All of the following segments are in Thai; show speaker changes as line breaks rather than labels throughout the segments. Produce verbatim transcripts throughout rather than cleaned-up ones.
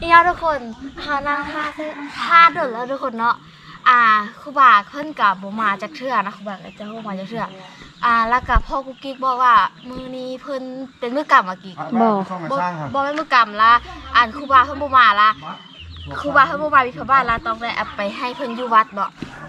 นี่นะทุกคนหานั่งท่าท่าเดินแล้วทุกคนเนาะอ่าครูบาเพิ่นกับบ่มาจากเทื่อนะครูบาก็จะบ่มาจากเทื่ออ่าแล้วกับพ่อกุ๊กกิ๊กบอกว่ามื้อนี้เพิ่นเป็นมื้อกรรมอะกิ๊กบ่บ่บ่เป็นมื้อกรรมละอ่านครูบาเพิ่นบ่มาละครูบาเพิ่นบ่มาวิพบ้านละต้องได้เอาไปให้เพิ่นอยู่วัดเนาะ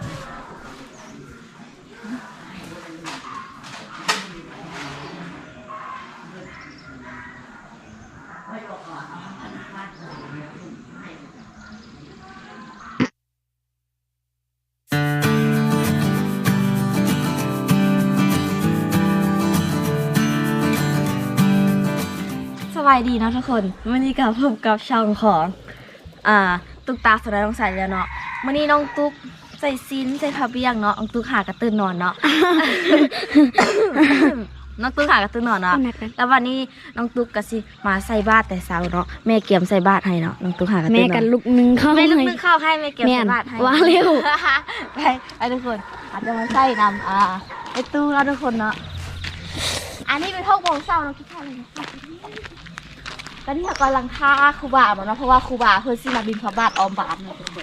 สบายดีนะทุกคนวันนี้กับพบกับช่องของอ่าตุ๊กตาสไลด์ต้องใส่แล้วเนาะวันนี้น้องตุ๊กใส่ซินใส่ผ้าเบี้ยงเนาะน้องตุ๊กหากระตื้นนอนเนาะ น้องตุ๊กหากระตื้นนอนเนาะแล้ววันนี้น้องตุ๊กก็สิมาใส่บาตรแต่เช้าเนาะแม่เกี่ยมใส่บาตรให้เนาะน้องตุ๊กหากระตื้นนอน
แม่กันลูกนึงเข้า
แม่ลูกนึงเข้าให้แม่เกี่ยมใส่บาตรให้
ว่าเร็ว
ไปไปทุกคนอาจจะมาใส่นำอ่าไอตู้เราทุกคนเนาะอันนี้เป็นห้องโมงเช้าเนาะคิดท่าเลยนะตอนนี้เรากำลังท่าครูบาเนาะเพราะว่าครูบาเพิ่นสิมาบินพระบาทออมบาทเนาะทุกคน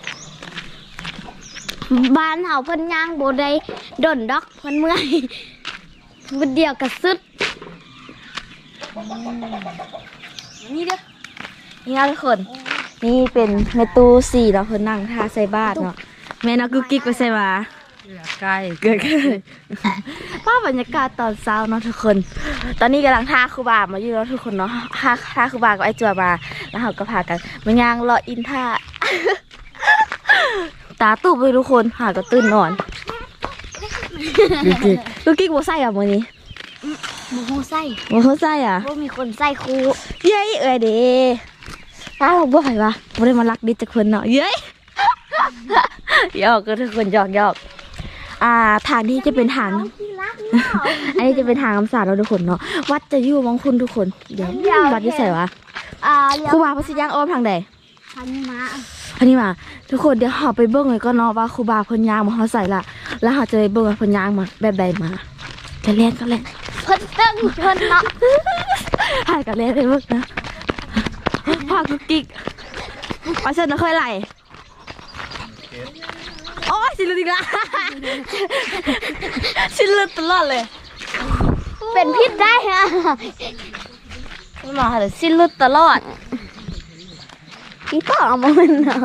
บ้านเฮาเพิ่นย่างบ่ได้ดนดอกเพิ่นเมื่อยวันเดียวก็สุด
นี่เด้อนี่นะทุกคนนี่เป็นแม่ตู้สี่เนาะเพิ่นนั่งท่าใส่บาทเนาะแม่นักกุ๊กกิ๊กไปใส่มาใกล้เกิดขึ้นภาพบรรยากาศตอนเช้าเนาะทุกคน ตอนนี้กำลังท่าครูบามาอยู่แล้วทุกคนเนาะท่าท่าครูบากับไอ้จัวมาแล้วเขาก็พากันมาย่างรออินท่า ตาตุบเลยทุกคนหาก็ตื่นนอนลูกกิ๊กบัวไส้อะมื้อนี้
บ่ฮู้ใส่
บัวไส้อะ
บ่มีคนใส่ครู
เย้ยเอ้ยเด้ตาบอกบ่ไหววะบ่ได้มารักดิจักเพิ่นเนาะเย้ย หยอกก็ทุกคนหยอกหยอกอ่าทางนี้จะเป็นทาง อันนี้จะเป็นทางคำสาเราทุกคนเนาะวัดจะอยู่มองคุณทุกคนเดี๋ยววัดที่ใส่วะ
อ่า
ครูบาพระสิย่างอ้อมทางใด
พันมา
พันนี้มาทุกคนเดี๋ยวเราไปเบิ้งเลยก็เนาะว่าครูบาเพิ่นย่างมาเขาใส่ละแล้วเราจะไปเบิ้งว่าเพิ่นย่างมาแบบใดมาจะเล่นก็เล่น
เพิ่นตึ้งเพิ่นเนาะ
หายกันเล่นเลยเบิ้งนะพากุ๊กกิ๊กเอาเส้นนะค่อยไหลโอ้ยสิลุดอีกละสิลุดตลอดเลย
เป็นพิษได้ฮะ
ไม่มาเลยสิลุดตลอด
พี่ก็เอามามันเนาะ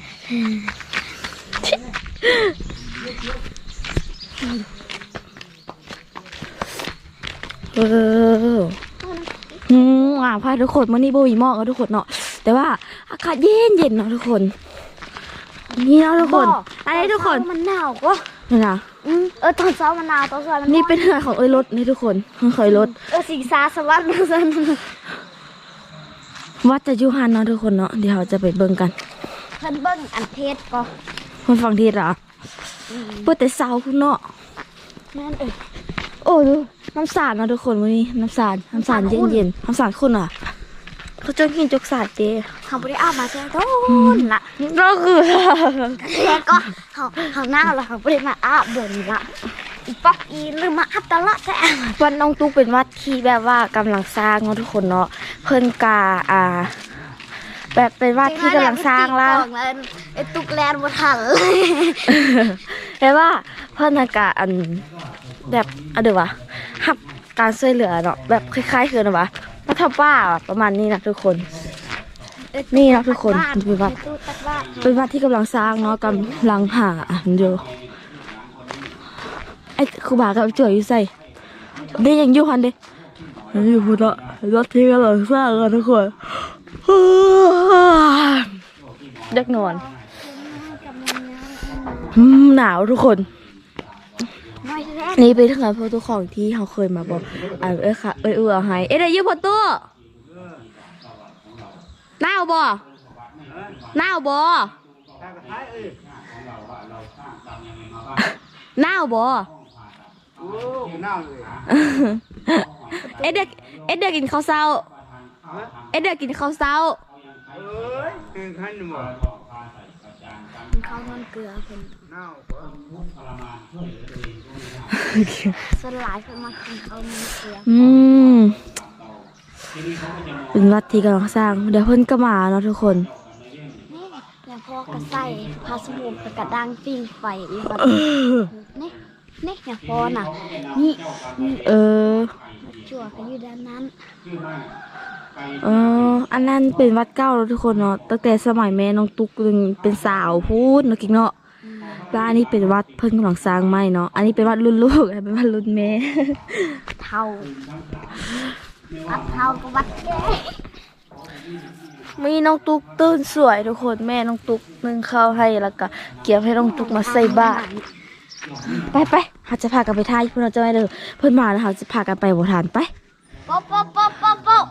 เอออืมอ่าพาทุกคนมานี่โบวีมอกแล้วทุกคนเนาะแต่ว่าอากาศเย็นเย็นเนาะทุกคนนี่เนาะทุกคนอันนี้ทุกคน
มันหนาวก็
นี่นะ
อืมเออตอนเช้ามันหนาวตอนเช้ามัน
นี่เป็นเหือของเอ้ยรถนี่ทุกคนเคยรถ
เออสิงสาสวรรค์ซั่น
วัดจะอยู่หันเนาะทุกคนเนาะเดี๋ยวเราจะไปเบิ่งกัน
เพิ่นเบิ่งอันเทศก็
คนฟังทีเหรอเปิดแต่เสาคุณเนาะ
แม่นเอ้ย
โอ้ดูน้ำสาดเนาะทุกคนวันนี้น้ำสาดน้ำสาดเย็นเย็นน้ำสาดคุณอ่ะเขาจนหินจกสาดเด้
เขาบ่ได้เอามาแต่โดนละ
ก็คือ
แล้วก็เขาเขาหน้าเราเขาบ่ได้มาอาบเบิ่นละอีป๊อกอีลืมมาอาบตลอดแต่
วันน้องตุ๊กเป็นวัดที่แบบว่ากำลังสร้างเนาะทุกคนเนาะเพิ่นกาอ่า แบบเป็นวัดที่กำลังสร้างแล้ว
ไอ้ตุกแลนบ่ทันเลย
แปลว่าเพิ่นกาอันแบบอะเดี๋ยววะหับการช่วยเหลือเนาะแบบคล้ายๆคือนะวะรัฐบ้าประมาณนี้นะทุกคน นี่นะทุกคนเป็นวัดเป็นวัดที่กำลังสร้างเนาะกำลังหาเดี๋ยวไอ้ครูบากับจ่วยอยู่ใส่เด้ยังอยู่หันเด้ยังอยู่พุ่นละวัดที่กำลังสร้างกันทุกคนเด็กนอนหนาวทุกคนนี่ไปถึงกับพวกทุกของที่เขาเคยมาบอกอ่าเอ้ยค่ะเอ้ยเออให้เอ้ยได้ยืมพอตู้หน้าบ่หน้าบ่หน้าบ่เอ็ดเด็กเอ็ดเด็กกินข้าวเช้าเอ็ดเด็กกินข้าวเช้า
ข้าวนอนเกลือเพิ่นสลายเพิ่นมากินข้าวนอนเกลือ
อืมเป็นวัดที่กำลังสร้างเดี๋ยวเพิ่นก็มาเนาะทุกคน
นี่แล้วพ่อก็ใส่พาสมุนกับกระด้างปิ้งไฟอีกวันนี่นี่อย่างพ่อน่ะนี่นี่
เออ
จั่วก็อยู่ด้านนั้น
เอออันนั้นเป็นวัดเก่าแล้วทุกคนเนาะตั้งแต่สมัยแม่น้องตุ๊กยังเป็นสาวพูดเนาะกิ๊กเนาะแล้วอันนี้เป็นวัดเพิ่งกำลังสร้างใหม่เนาะอันนี้เป็นวัดรุ่นลูกอันนี้เป็นวัดรุ่นแม่
เท่าวัดเท่ากับวัดแก่
มีน้องตุ๊กตื่นสวยทุกคนแม่น้องตุ๊กนึ่งข้าวให้แล้วก็เกี่ยวให้น้องตุ๊กมาใส่บาตรไปไปเขาจะพากันไปท่าเพื่อนเราจะไม่เลยเพื่อนมาแล้วเขาจะพากันไปโบราณไป
โป๊ะโป๊ะโป๊ะโป๊ะโป๊ะ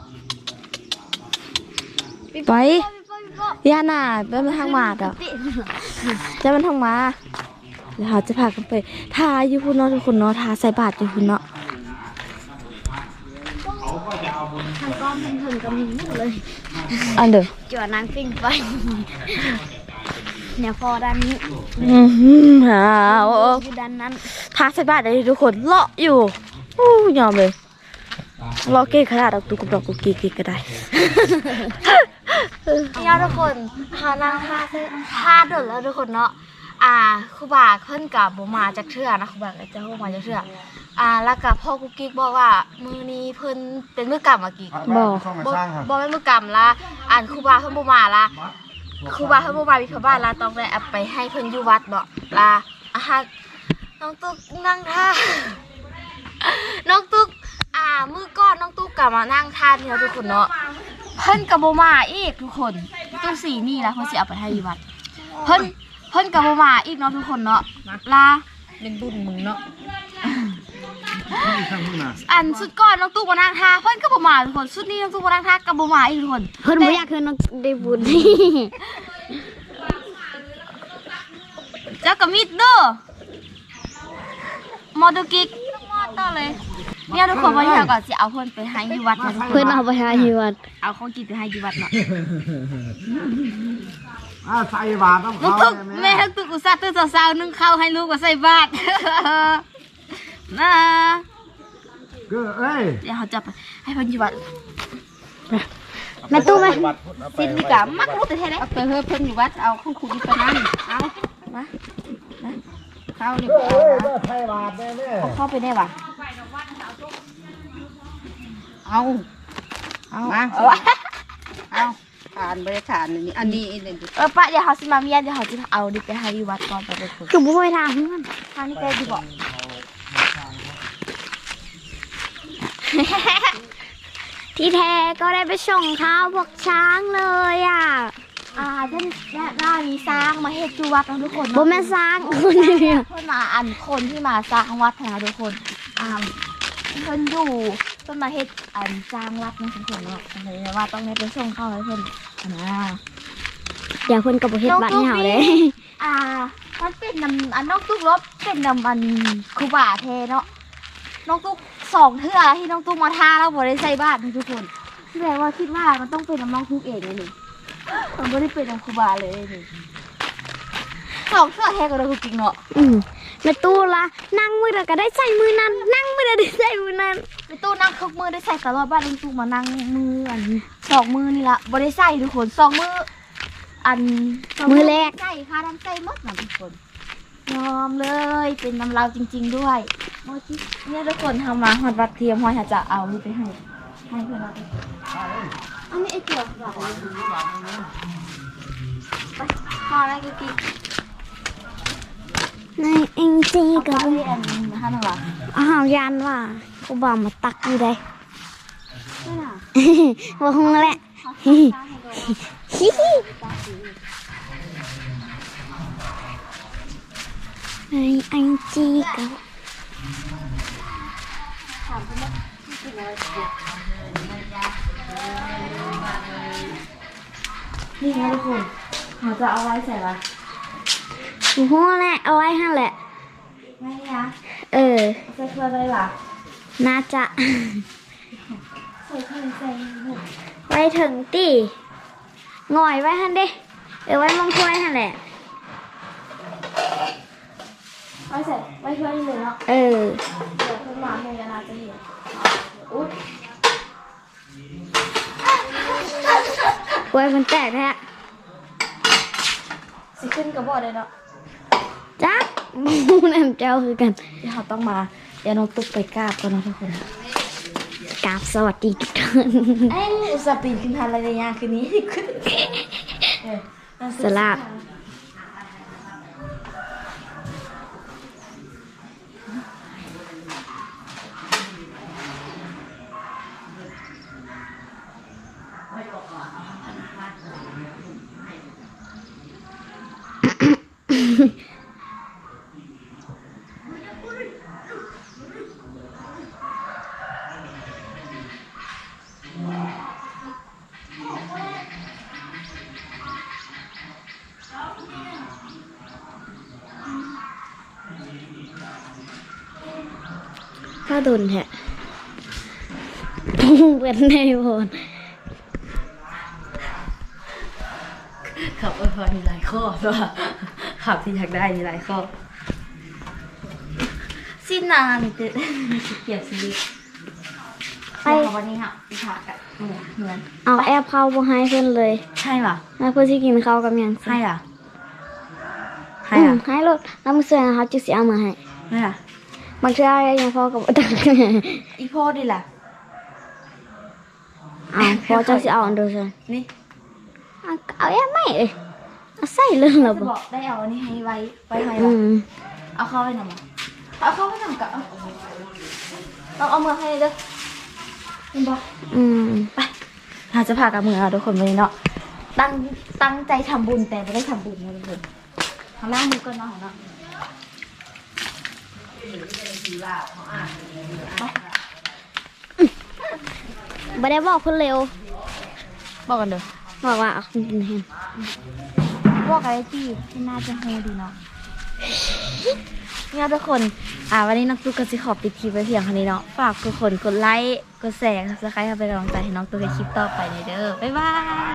ไป
โป๊ะโป๊ะ
ย่าน่ะเป็นมันทางมาดอ่ะจะมันทางมาแล้วเขาจะพากันไปท่าอยู่พุ่นเนาะทุกคนเนาะท่าใส่บาตรอยู่พุ่นเนาะ
ทางก้อนทางถึงก็มีหมดเลย
อันเด้อ
จั่วนางปิ้งไฟเนี่ยพอด้านนี้
อือหือหาโอ้
อยู่ด้านนั้น
ท่าใส่บาตรได้ทุกคนเลาะอยู่อู้ยอมเลยเลาะเก่งขนาดดอกตุ๊กกับดอกกุกกิ๊กก็ได้
เนี่ยทุกคนหานางท่าท่าเดินแล้วทุกคนเนาะอ่าครูบาขึ้นกับบ่มาจากเทื่อนะครูบาก็จะบ่มาจากเทื่ออ่าแล้วกับพ่อกุ๊กกิ๊กบอกว่ามือนี้เพิ่นเป็นมือกรรมอะกิ๊ก
บ่
บ่บ่แม่นมือกรรมละอ่านครูบาเพิ่นบ่มาละครูบาเพิ่นบ่มาวิพบ้านละต้องได้เอาไปให้เพิ่นอยู่วัดเนาะละอ่ะฮะน้องตุ๊กนั่งท่า น้องตุ๊กอ่ามือก่อนน้องตุ๊กกลับมานั่งท่านี่แล้วทุกคนเนาะเพิ่นกับโบมาอีกทุกคนตู้สีนี่แล้วเพิ่นสิเอาไปให้วัดเพิ่นเพิ่นกับโบมาอีกเนาะทุกคนเนาะลา
เป็นบุญมึงเนาะ
อันสุดก่อนน้องตุ๊กมานั่งท่าเพิ่นกับโบมาทุกคนสุดนี้น้องตุ๊กมานั่งท่ากับโบมาอีกทุกคน
เพิ่นบ่อยากคือน้องได้บุญ
เจ้ากับมิดเด้อมอดูกิกมอต่อเลยเนี่ยทุกคนวันนี้เราก็สิเอาเพิ่นไปให้อยู่วัดนะทุกคน
เพิ่นเอาไปหาที่วัด
เอาของกินไปให้อยู่วัดเนาะ
อ่าใส่บาตรต้อง
ลูก
เขา
ทุกแม่ทุกอุตส่าห์ตื่นสาวๆนึ่งข้าวให้ลูกก็ใส่บาตร นะ
ก็เอ้ย
เดี๋ยวเขาจะไปให้เพันอยู่วัด
แม่ตู้ไหม
สินี่กะมักลูกแต่แท้ๆเอาไปเฮ้เพิ่นอยู่วัดเอาของครูกินไปนั่นเอามานะข้าวนี่เอานะ
ใส่บาตรแน่แน่
เอาเข้าไปได้ปะ
เอาเอา
มาเอาวะ
เอาทานบริฐานนี่อันนี้อันนี้
เออปะเดี๋ยวเขาสิมาเมียนเดี๋ยวเขาจะเอาดิไปให้อยู่วัดก่อนไปเลยคุณ
คือบ่ไปทางนั้น
ทางนี้ใกล้ดีบอก
ที่แท้ก็ได้ไปส่งข้าวพวกช้างเลยอ่ะ
อ่าท่านได้มีสร้างมาเฮ็ดอยู่วัดนะทุกคน
บ่แม่นสร้างคนเดียว
เพิ่นมาอันคนที่มาสร้างวัดนะทุกคนอ่าเพิ่นอยู่เพิ่นมาเฮ็ดอันสร้างวัดนะทุกคนเนาะเลยว่าต้องได้ไปส่งเข้าให้เพิ่นนะ
เดี๋ยวเพิ่นก็บ่เฮ็ดบัตรให้เฮาเลย
อ่ามันเป็นนำอันน้องตุ๊กรบเป็นนำอันครูบาเทเนาะน้องตุ๊กสองเทื่อที่น้องตุ๊กมาท่าแล้วบ่ได้ใส่บาตรนะทุกคนแสดงว่าคิดว่ามันต้องเป็นน้ำน้องตุ๊กเองเลยนี่มันบ่ได้เป็นน้ำครูบาเลยนี่สองเทื่อแท้ก็ได้จริงเนาะ
อืมแม่ตู้ละนั่งมื้อใดก็ได้ใส่มือนั้น นั่งมื้อใดได้ใส่มือนั้น
ไปตู้นั่งคึกมือได้ใส่ตลอดบ้านน้องตุ๊กมานั่งมืออันสองมือนี่ละบ่ได้ใส่ทุกคนสองมืออันสง
มือแรก
ใส่ค่ะน้ำใส่หมดนะทุกคนยอมเลยเป็นน้ำเราจริง ๆด้วยโมจิเนี่ยทุกคนทำมาหอดวัดเทียมหอยจะเอานี่ไปให้ให้เพื่อนเราไปอันนี้ไอ้เจียวหรอไปพอแล้วกิ๊ก
ในเอ็งจี
ๆ
ก็
ก็
บ่
เรียนนะคะน้องหรอ
อ้าวยันว่ากูบ่ามาตักอยู่ได้
ไม่น่ะ
บ่ฮู้แหละ
เขาทำได้ให้ดู
ฮิฮิในเอ็งจีก็
ถามเพื่อนว่ากินอะไรนี่ไงทุกคนเขาจะเอาไว้ใส่ละ
บ่ฮู้แหละเอาไว้หั่นแหละ
ไม่นะ
เออ
ใส่เพื่อนเลยล่ะ
น่าจะ
ใส่เพื่อนใส่หมด
ไว้ถึงตีง่อยไว้หั่นเด้เออไว้มองถ้วยหั่นแหละ
ไว้ใส่ไว้เพื่อนเลยเนาะ
เออ
เดี๋ยวเพื่อนมาเฮียนาจะเห็นอุ๊ย
กล้วยมันแตกแท้
สิขึ้นกับบ่ได้เนาะ
จ้าน้ำเจ้าคือกัน
เดี๋ยวเราต้องมาเดี๋ยวน้องตุ๊กไปกราบก่อนนะทุกคน
กราบสวัสดีทุกท่าน
เอ้ยอุตส่าห์ปีนขึ้นทันอะไรในยางคืนนี้ขึ้นเออ
สลับถ้าโดนแท้เป็นในโพน
ขับอวยพรมีหลายข้อด้วยขับที่อยากได้มีหลายข้อสิ้นนานเด็ดเกียบชีวิตไปวันนี้ค่ะพี่ผักอะเหมือนเหมือน
เอาแอปเข้าบ่ให้เพิ่นเลย
ใช่ป่ะ
แล้วเพื่อที่กินข้าวกับหยังสิ
ให้อ่ะให้
อืม
อ่ะ
ให้รถแล้วมื้อเช้าเขาจะสิเอามาให้
ให้อ่ะ
บางเทื่อยังพอกับบ่ตัก
อีพ่อดิล่ะ
เอาพอเจ้าสิเอาอันเดียวซั่น
นี่
เอาเอาแอปไม่เอ้ยเอาใส่เลยเหรอ
จะ
บ่
บอกได้เอาอันนี้ให้ไว้ไว้ให้
อื
ละ
ม
เอาเข้าไปหน่อยมั้ยเอาเข้าไปหน่อยกับเอาเราเอามือให้เด้อเห็นบอก
อืม
ไปเราจะพากับมือเราทุกคนวันนี้เนาะตั้งตั้งใจทำบุญแต่ไม่ได้ทำบุญนะทุกคนทางล่างมือก่อนเนาะของเนาะ
บ่ได้บอกเพิ่นเร็ว
บอกกันเด้อ
บอกว่าเอาคุณกินแฮม
บอกอะไรที่ที่น่าจะโฮดีเนาะเนี่ยทุกคน อ่าวันนี้น้องตุ๊กก็จะขอปิดคลิปไว้เพียงเท่านี้เนาะ ฝากทุกคนกดไลค์ กดแชร์ ซับสไครต์ให้เป็นกำลังใจให้น้องตุ๊กในคลิปต่อไปเลยเด้อ บ๊ายบาย